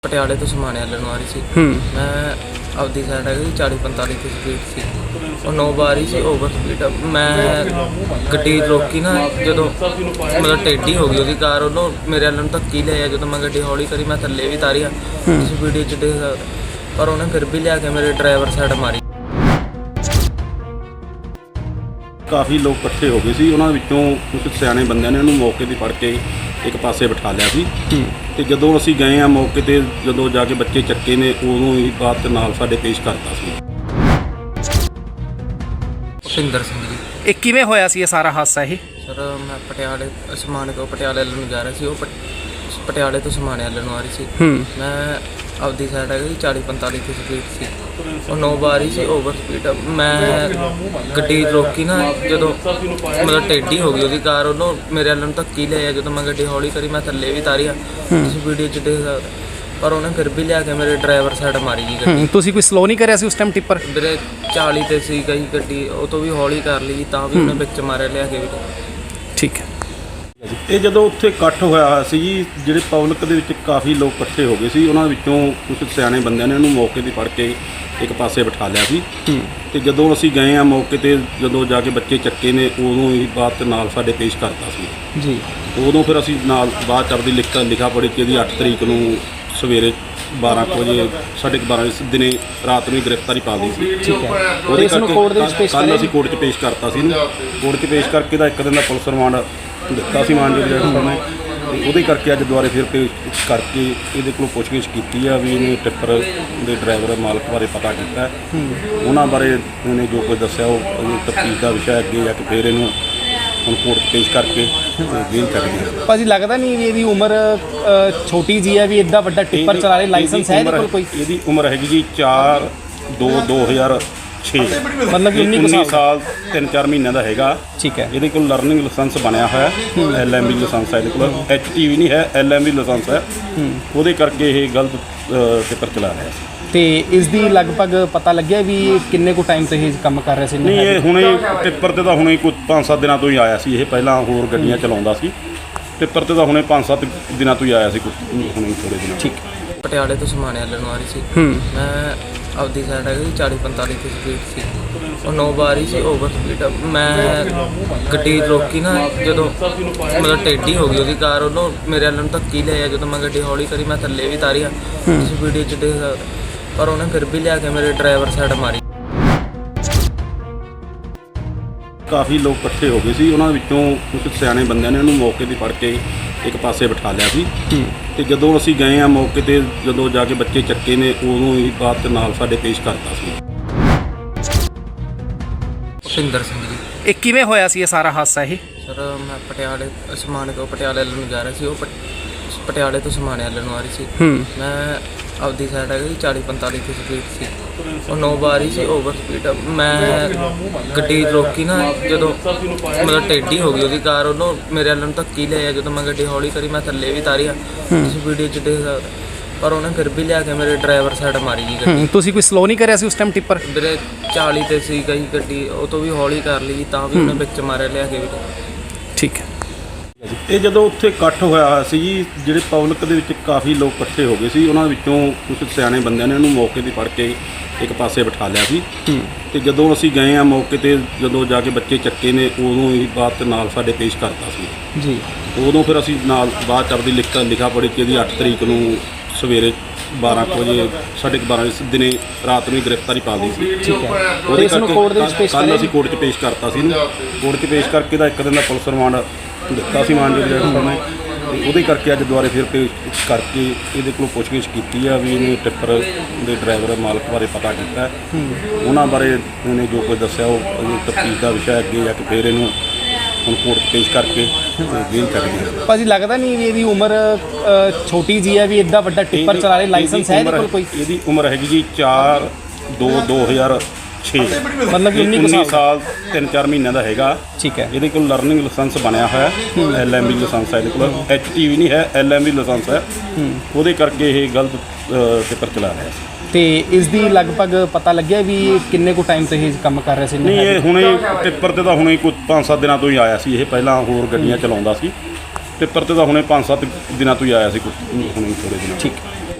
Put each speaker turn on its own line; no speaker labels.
ਪਟਿਆਲੇ ਤੋਂ ਸਮਾਨ ਲੈਣ ਆ ਰਹੀ ਸੀ। ਮੈਂ ਆਪਦੀ ਸਾਈਡ ਹੈਗੀ 40-45 ਦੀ ਸਪੀਡ ਸੀ। ਉਹ 9 ਵਾਰੀ ਸੀ ਓਵਰ ਸਪੀਡ। ਮੈਂ ਗੱਡੀ ਰੋਕੀ ਨਾ, ਜਦੋਂ ਮਤਲਬ ਟੇਢੀ ਹੋ ਗਈ ਉਹਦੀ ਕਾਰ, ਉਹਨੂੰ ਮੇਰੇ ਵੱਲ ਨੂੰ ਧੱਕੀ ਲਿਆ। ਜਦੋਂ ਮੈਂ ਗੱਡੀ ਹੌਲੀ ਕਰੀ, ਮੈਂ ਥੱਲੇ ਵੀ ਤਾਰੀ ਆ, ਇਸ ਵੀਡੀਓ 'ਚ ਦੇਖ ਸਕਦੇ, ਪਰ ਉਹਨੇ ਫਿਰ ਵੀ ਲਿਆ ਕੇ ਮੇਰੇ ਡਰਾਈਵਰ ਸਾਈਡ ਮਾਰੀ।
ਕਾਫੀ ਲੋਕ ਇਕੱਠੇ ਹੋ ਗਏ ਸੀ। ਉਹਨਾਂ ਵਿੱਚੋਂ ਕੁਝ ਸਿਆਣੇ ਬੰਦਿਆਂ ਨੇ ਉਹਨੂੰ ਮੌਕੇ 'ਤੇ ਫੜ ਕੇ ਇੱਕ ਪਾਸੇ ਬਿਠਾ ਲਿਆ ਸੀ। ਤੇ ਜਦੋਂ ਅਸੀਂ ਗਏ ਆ ਮੌਕੇ 'ਤੇ, ਜਦੋਂ ਜਾ ਕੇ ਬੱਚੇ ਚੱਕੇ ਨੇ, ਉਦੋਂ ਹੀ ਬਾਤ ਨਾਲ ਸਾਡੇ ਪੇਸ਼ ਕਰਤਾ ਸੀ।
ਭੁਪਿੰਦਰ ਸਿੰਘ ਜੀ।
ਇਹ ਕਿਵੇਂ ਹੋਇਆ ਸੀ ਇਹ ਸਾਰਾ ਹਾਦਸਾ? ਇਹ
ਸਰ, ਮੈਂ ਪਟਿਆਲੇ ਸਮਾਨ ਤੋਂ ਪਟਿਆਲੇ ਵੱਲ ਨੂੰ ਜਾ ਰਿਹਾ ਸੀ। ਉਹ ਪਟਿਆਲੇ ਤੋਂ ਸਮਾਨ ਵੱਲ ਨੂੰ ਆ ਰਹੀ ਸੀ। ਮੈਂ ਆਪਦੀ ਸਾਈਡ ਹੈਗੀ 40-45 ਦੀ ਸਪੀਡ ਸੀ। ਉਹ 9 ਵਾਰੀ ਸੀ ਓਵਰ ਸਪੀਡ। ਮੈਂ ਗੱਡੀ ਰੋਕੀ ਨਾ, ਜਦੋਂ ਮਤਲਬ ਟੇਢੀ ਹੋ ਗਈ ਉਹਦੀ ਕਾਰ, ਉਹਨੂੰ ਮੇਰੇ ਵੱਲ ਨੂੰ ਧੱਕੀ ਲਿਆ। ਜਦੋਂ ਮੈਂ ਗੱਡੀ ਹੌਲੀ ਕਰੀ, ਮੈਂ ਥੱਲੇ ਵੀ ਤਾਰੀ ਆ, ਇਸ ਵੀਡੀਓ 'ਚ ਦੇਖ ਸਕਦੇ, ਪਰ ਉਹਨੇ ਫਿਰ ਵੀ ਲਿਆ ਕੇ ਮੇਰੇ ਡਰਾਈਵਰ ਸਾਈਡ ਮਾਰੀ ਜੀ ਗੱਡੀ।
ਤੁਸੀਂ ਕੋਈ ਸਲੋ ਨਹੀਂ ਕਰਿਆ ਸੀ ਉਸ ਟਾਈਮ? ਟਿੱਪਰ
ਵੀਰੇ 40 ਤੇ ਸੀ ਗਈ ਗੱਡੀ, ਉਹ ਤੋਂ ਵੀ ਹੌਲੀ ਕਰ ਲਈ, ਤਾਂ ਵੀ ਉਹਨੇ ਵਿੱਚ ਮਾਰਿਆ ਲਿਆ ਕੇ ਵੀ।
ਠੀਕ ਹੈ।
ਇਹ ਜਦੋਂ ਉੱਥੇ ਇਕੱਠ ਹੋਇਆ ਸੀ ਜੀ, ਜਿਹੜੇ ਪਬਲਿਕ ਦੇ ਵਿੱਚ ਕਾਫੀ ਲੋਕ ਇਕੱਠੇ ਹੋ ਗਏ ਸੀ। ਉਹਨਾਂ ਵਿੱਚੋਂ ਕੁਝ ਸਿਆਣੇ ਬੰਦਿਆਂ ਨੇ ਉਹਨੂੰ ਮੌਕੇ 'ਤੇ ਫੜ ਕੇ ਇੱਕ ਪਾਸੇ ਬਿਠਾ ਲਿਆ ਸੀ। ਤੇ ਜਦੋਂ ਅਸੀਂ ਗਏ ਆ ਮੌਕੇ 'ਤੇ, ਜਦੋਂ ਜਾ ਕੇ ਬੱਚੇ ਚੱਕੇ ਨੇ, ਉਦੋਂ ਹੀ ਬਾਤ ਨਾਲ ਸਾਡੇ ਪੇਸ਼ ਕਰਤਾ ਸੀ
ਜੀ।
ਉਦੋਂ ਫਿਰ ਅਸੀਂ ਨਾਲ ਬਾਅਦ 'ਚ ਆਪਦੀ ਲਿਖਾ ਪੜ੍ਹੀ ਕਿ ਇਹਦੀ 8 ਤਰੀਕ ਨੂੰ ਸਵੇਰੇ 12 ਵਜੇ, 12:30 ਦਿਨੇ ਰਾਤ ਨੂੰ ਗ੍ਰਿਫਤਾਰੀ ਪਾ ਲਈ ਸੀ।
ਠੀਕ ਹੈ।
ਉਹਦੇ
ਇਸ ਨੂੰ ਕੋਰਟ ਦੇ ਵਿੱਚ ਪੇਸ਼
ਕੱਲ੍ਹ ਅਸੀਂ ਕੋਰਟ 'ਚ ਪੇਸ਼ ਕਰਤਾ ਸੀ ਇਹਨੂੰ। ਕੋਰਟ 'ਚ ਪੇਸ਼ ਕਰਕੇ ਦਾ 1 ਦਿਨ ਦਾ ਪੁਲਿਸ ਰਿਮਾਂਡ ਦਿੱਤਾ ਸੀ ਮਾਨਯੋਗ ਜੱਜ ਸਾਹਿਬ ਨੇ। ਉਹਦੇ ਕਰਕੇ ਅੱਜ ਦੁਬਾਰੇ ਫਿਰ ਪੇਸ਼ ਕਰਕੇ ਇਹਦੇ ਕੋਲੋਂ ਪੁੱਛਗਿੱਛ ਕੀਤੀ ਆ ਵੀ ਇਹਨੇ ਟਿੱਪਰ ਦੇ ਡਰਾਈਵਰ ਮਾਲਕ ਬਾਰੇ ਪਤਾ ਕੀਤਾ। ਉਹਨਾਂ ਬਾਰੇ ਇਹਨੇ ਜੋ ਕੁਝ ਦੱਸਿਆ ਉਹ ਤਫਤੀਸ਼ ਦਾ ਵਿਸ਼ਾ ਅੱਗੇ ਜਾ ਕੇ ਫਿਰ ਇਹਨੂੰ ਹੁਣ ਕੋਰਟ 'ਚ ਪੇਸ਼ ਕਰਕੇ ਜੇਲ੍ਹ ਕੱਢ ਗਏ।
ਭਾਜੀ, ਲੱਗਦਾ ਨਹੀਂ ਵੀ ਇਹਦੀ ਉਮਰ ਛੋਟੀ ਜੀ ਹੈ, ਵੀ ਇੱਡਾ ਵੱਡਾ ਟਿੱਪਰ ਚਲਾ ਰਹੇ? ਲਾਇਸੈਂਸ ਹੈ ਇਹਦੇ ਕੋਲ ਕੋਈ?
ਇਹਦੀ ਉਮਰ ਹੈਗੀ ਜੀ 4/2/2006,
ਮਤਲਬ ਕਿ
19 ਸਾਲ 3-4 ਮਹੀਨਿਆਂ ਦਾ ਹੈਗਾ।
ਠੀਕ ਹੈ।
ਇਹਦੇ ਕੋਲ ਲਰਨਿੰਗ ਲਾਇਸੈਂਸ ਬਣਿਆ ਹੋਇਆ, LMB ਲਾਇਸੈਂਸ ਹੈ ਇਹਦੇ ਕੋਲ। HTV ਨਹੀਂ ਹੈ, LMB ਲਾਇਸੈਂਸ ਹੈ। ਉਹਦੇ ਕਰਕੇ ਇਹ ਗਲਤ ਟਿੱਪਰ ਚਲਾ ਰਿਹਾ ਸੀ।
ਤੇ ਇਸ ਦੀ ਲਗਭਗ ਪਤਾ ਲੱਗਿਆ ਵੀ ਕਿੰਨੇ ਕੁ ਟਾਈਮ ਤੋਂ ਇਹ ਕੰਮ ਕਰ ਰਿਹਾ ਸੀ?
ਨਹੀਂ, ਇਹ ਹੁਣੇ ਟਿੱਪਰ ਤੇ ਤਾਂ ਹੁਣੇ ਕੋਈ 5-7 ਦਿਨਾਂ ਤੋਂ ਹੀ ਆਇਆ ਸੀ। ਇਹ ਪਹਿਲਾਂ ਹੋਰ ਗੱਡੀਆਂ ਚਲਾਉਂਦਾ ਸੀ। ਟਿੱਪਰ ਤੇ ਤਾਂ ਹੁਣੇ 5-7 ਦਿਨਾਂ ਤੋਂ ਹੀ ਆਇਆ ਸੀ, ਹੁਣੇ ਥੋੜੇ ਦਿਨ।
ਠੀਕ।
ਪਟਿਆਲੇ ਤੋਂ ਸਮਾਨ ਲੈਣ ਆ ਰਹੀ ਸੀ। ਮੈਂ ਆਪਦੀ ਸਾਈਡ ਹੈਗੀ 40-45 ਦੀ ਸਪੀਡ ਸੀ। ਉਹ 9 ਵਾਰੀ ਸੀ ਓਵਰ ਸਪੀਡ। ਮੈਂ ਗੱਡੀ ਰੋਕੀ ਨਾ, ਜਦੋਂ ਮਤਲਬ ਟੇਢੀ ਹੋ ਗਈ ਉਹਦੀ ਕਾਰ, ਉਹਨੂੰ ਮੇਰੇ ਵੱਲ ਨੂੰ ਧੱਕੀ ਲਿਆ। ਜਦੋਂ ਮੈਂ ਗੱਡੀ ਹੌਲੀ ਕਰੀ, ਮੈਂ ਥੱਲੇ ਵੀ ਤਾਰੀ ਆ, ਇਸ ਵੀਡੀਓ 'ਚ ਦੇਖ ਸਕਦੇ, ਪਰ ਉਹਨੇ ਫਿਰ ਵੀ ਲਿਆ ਕੇ ਮੇਰੇ ਡਰਾਈਵਰ ਸਾਈਡ ਮਾਰੀ।
ਕਾਫੀ ਲੋਕ ਇਕੱਠੇ ਹੋ ਗਏ ਸੀ। ਉਹਨਾਂ ਵਿੱਚੋਂ ਕੁਝ ਸਿਆਣੇ ਬੰਦਿਆਂ ਨੇ ਉਹਨੂੰ ਮੌਕੇ 'ਤੇ ਫੜ ਕੇ ਇੱਕ ਪਾਸੇ ਬਿਠਾ ਲਿਆ ਸੀ। ਤੇ ਜਦੋਂ ਅਸੀਂ ਗਏ ਆ ਮੌਕੇ 'ਤੇ, ਜਦੋਂ ਜਾ ਕੇ ਬੱਚੇ ਚੱਕੇ ਨੇ, ਉਦੋਂ ਹੀ ਬਾਤ ਨਾਲ ਸਾਡੇ ਪੇਸ਼ ਕਰਤਾ ਸੀ।
ਭੁਪਿੰਦਰ ਸਿੰਘ ਜੀ।
ਇਹ ਕਿਵੇਂ ਹੋਇਆ ਸੀ ਇਹ ਸਾਰਾ ਹਾਦਸਾ? ਇਹ
ਸਰ, ਮੈਂ ਪਟਿਆਲੇ ਸਮਾਨ ਤੋਂ ਪਟਿਆਲੇ ਵੱਲ ਨੂੰ ਜਾ ਰਿਹਾ ਸੀ। ਉਹ ਪਟਿਆਲੇ ਤੋਂ ਸਮਾਨ ਵੱਲ ਨੂੰ ਆ ਰਹੀ ਸੀ। ਮੈਂ ਆਪਦੀ ਸਾਈਡ ਹੈਗੀ 40-45 ਦੀ ਸਪੀਡ ਸੀ। ਉਹ 9 ਵਾਰੀ ਸੀ ਓਵਰ ਸਪੀਡ। ਮੈਂ ਗੱਡੀ ਰੋਕੀ ਨਾ, ਜਦੋਂ ਮਤਲਬ ਟੇਢੀ ਹੋ ਗਈ ਉਹਦੀ ਕਾਰ, ਉਹਨੂੰ ਮੇਰੇ ਵੱਲ ਨੂੰ ਧੱਕੀ ਲਿਆ। ਜਦੋਂ ਮੈਂ ਗੱਡੀ ਹੌਲੀ ਕਰੀ, ਮੈਂ ਥੱਲੇ ਵੀ ਤਾਰੀ ਆ, ਇਸ ਵੀਡੀਓ 'ਚ ਦੇਖ ਸਕਦੇ, ਪਰ ਉਹਨੇ ਫਿਰ ਵੀ ਲਿਆ ਕੇ ਮੇਰੇ ਡਰਾਈਵਰ ਸਾਈਡ ਮਾਰੀ ਜੀ ਗੱਡੀ।
ਤੁਸੀਂ ਕੋਈ ਸਲੋ ਨਹੀਂ ਕਰਿਆ ਸੀ ਉਸ ਟਾਈਮ? ਟਿੱਪਰ
ਵੀਰੇ 40 ਤੇ ਸੀ ਗਈ ਗੱਡੀ, ਉਹ ਤੋਂ ਵੀ ਹੌਲੀ ਕਰ ਲਈ, ਤਾਂ ਵੀ ਉਹਨੇ ਵਿੱਚ ਮਾਰਿਆ ਲਿਆ ਕੇ ਵੀ।
ਠੀਕ ਹੈ।
ਇਹ ਜਦੋਂ ਉੱਥੇ ਇਕੱਠ ਹੋਇਆ ਸੀ ਜੀ, ਜਿਹੜੇ ਪਬਲਿਕ ਦੇ ਵਿੱਚ ਕਾਫੀ ਲੋਕ ਇਕੱਠੇ ਹੋ ਗਏ ਸੀ। ਉਹਨਾਂ ਵਿੱਚੋਂ ਕੁਝ ਸਿਆਣੇ ਬੰਦਿਆਂ ਨੇ ਉਹਨੂੰ ਮੌਕੇ 'ਤੇ ਫੜ ਕੇ ਇੱਕ ਪਾਸੇ ਬਿਠਾ ਲਿਆ ਸੀ। ਤੇ ਜਦੋਂ ਅਸੀਂ ਗਏ ਆ ਮੌਕੇ 'ਤੇ, ਜਦੋਂ ਜਾ ਕੇ ਬੱਚੇ ਚੱਕੇ ਨੇ, ਉਦੋਂ ਹੀ ਬਾਤ ਨਾਲ ਸਾਡੇ ਪੇਸ਼ ਕਰਤਾ ਸੀ।
ਜੀ।
ਉਦੋਂ ਫਿਰ ਅਸੀਂ ਨਾਲ ਬਾਅਦ 'ਚ ਆਪਦੀ ਲਿਖਾ ਪੜ੍ਹੀ ਕਿ ਇਹਦੀ 8 ਤਰੀਕ ਨੂੰ ਸਵੇਰੇ 12 ਵਜੇ, 12:30 ਦਿਨੇ ਰਾਤ ਨੂੰ ਗ੍ਰਿਫਤਾਰੀ ਪਾ ਲਈ ਸੀ।
ਠੀਕ ਹੈ।
ਉਹਦੇ
ਇਸ ਨੂੰ ਕੋਰਟ ਦੇ ਵਿੱਚ ਪੇਸ਼
ਕੱਲ੍ਹ ਅਸੀਂ ਕੋਰਟ 'ਚ ਪੇਸ਼ ਕਰਤਾ ਸੀ ਇਹਨੂੰ। ਕੋਰਟ 'ਚ ਪੇਸ਼ ਕਰਕੇ ਦਾ 1 ਦਿਨ ਦਾ ਪੁਲਿਸ ਰਿਮਾਂਡ ਦਿੱਤਾ ਸੀ ਮਾਨਯੋਗ ਜੱਜ ਸਾਹਿਬ ਨੇ। ਉਹਦੇ ਕਰਕੇ ਅੱਜ ਦੁਬਾਰੇ ਫਿਰ ਪੇਸ਼ ਕਰਕੇ ਇਹਦੇ ਕੋਲੋਂ ਪੁੱਛਗਿੱਛ ਕੀਤੀ ਆ ਵੀ ਇਹਨੇ ਟਿੱਪਰ ਦੇ ਡਰਾਈਵਰ ਮਾਲਕ ਬਾਰੇ ਪਤਾ ਕੀਤਾ। ਉਹਨਾਂ ਬਾਰੇ ਇਹਨੇ ਜੋ ਕੁਝ ਦੱਸਿਆ ਉਹ ਤਫਤੀਸ਼ ਦਾ ਵਿਸ਼ਾ ਅੱਗੇ ਜਾ ਕੇ ਫਿਰ ਇਹਨੂੰ ਹੁਣ ਕੋਰਟ 'ਚ ਪੇਸ਼ ਕਰਕੇ ਜੇਲ੍ਹ ਕੱਢ ਗਏ।
ਭਾਜੀ, ਲੱਗਦਾ ਨਹੀਂ ਵੀ ਇਹਦੀ ਉਮਰ ਛੋਟੀ ਜੀ ਹੈ, ਵੀ ਇੱਡਾ ਵੱਡਾ ਟਿੱਪਰ ਚਲਾ ਰਹੇ? ਲਾਇਸੈਂਸ ਹੈ ਇਹਦੇ ਕੋਲ ਕੋਈ?
ਇਹਦੀ ਉਮਰ ਹੈਗੀ ਜੀ 4/2/2006,
ਮਤਲਬ ਕਿ
19 ਸਾਲ 3-4 ਮਹੀਨਿਆਂ ਦਾ ਹੈਗਾ।
ਠੀਕ ਹੈ।
ਇਹਦੇ ਕੋਲ ਲਰਨਿੰਗ ਲਾਇਸੈਂਸ ਬਣਿਆ ਹੋਇਆ, LMB ਲਾਇਸੈਂਸ ਹੈ ਇਹਦੇ ਕੋਲ। HTV ਨਹੀਂ ਹੈ, LMB ਲਾਇਸੈਂਸ ਹੈ। ਉਹਦੇ ਕਰਕੇ ਇਹ ਗਲਤ ਟਿੱਪਰ ਚਲਾ ਰਿਹਾ ਸੀ।
ਤੇ ਇਸ ਦੀ ਲਗਭਗ ਪਤਾ ਲੱਗਿਆ ਵੀ ਕਿੰਨੇ ਕੁ ਟਾਈਮ ਤੋਂ ਇਹ ਕੰਮ ਕਰ ਰਿਹਾ ਸੀ?
ਨਹੀਂ, ਇਹ ਹੁਣੇ ਟਿੱਪਰ ਤੇ ਤਾਂ ਹੁਣੇ ਕੋਈ 5-7 ਦਿਨਾਂ ਤੋਂ ਹੀ ਆਇਆ ਸੀ। ਇਹ ਪਹਿਲਾਂ ਹੋਰ ਗੱਡੀਆਂ ਚਲਾਉਂਦਾ ਸੀ। ਟਿੱਪਰ ਤੇ ਤਾਂ ਹੁਣੇ 5-7 ਦਿਨਾਂ ਤੋਂ ਹੀ ਆਇਆ ਸੀ, ਹੁਣੇ ਥੋੜੇ ਦਿਨ।
ਠੀਕ।